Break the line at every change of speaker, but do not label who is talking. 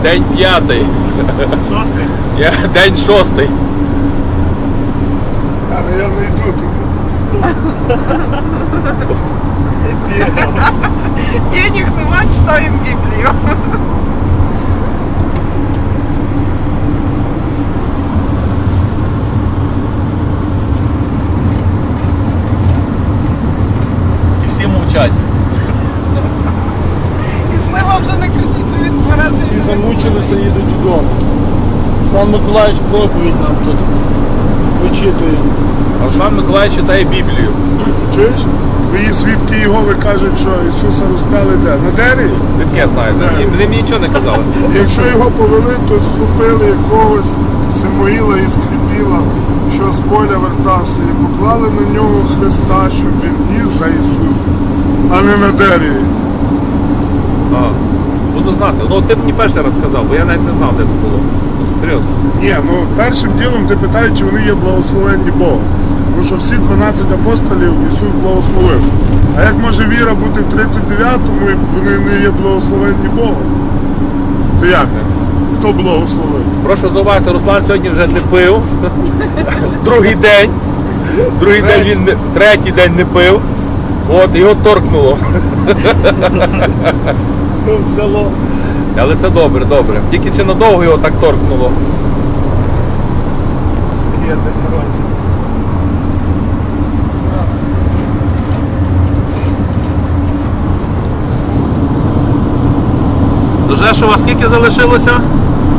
День 5.
Шостий?
День 6.
Але я не йду туди.
Денег нема, читаємо Біблію.
І всі мовчать.
І Слива вже не кричить, що він 2 рази.
Всі замучилися, їдуть додому. Руслан Миколаївич проповідь нам тут вичитує.
А Руслан Миколаївич читає Біблію.
Чуєш? Твої свідки Єгови кажуть, що Ісуса розп'яли де? На дереві?
Ви таке знаєте. Вони мені нічого не казали.
Якщо його повели, то схопили якогось Самуїла і Скріпіла, що з поля вертався, і поклали на нього Христа, щоб він ніс за Ісусом, а не на дереві.
Ага. Буду знати. Ну ти мені перший раз сказав, бо я навіть не знав, де це було. Серйозно.
Ні, ну першим ділом ти питаєш, чи вони є благословенні Богом. Тому що всі 12 апостолів Ісус благословив. А як може віра бути в 39-му, і вони не є благословенні Богом? То як? Хто благословив?
Прошу зауважити, Руслан сьогодні вже не пив. Другий день. Третій день не пив. От, його торкнуло.
Взяло.
Але це добре, добре. Тільки чи надовго його так торкнуло?
Сергія день народження.
До Жешова скільки залишилося?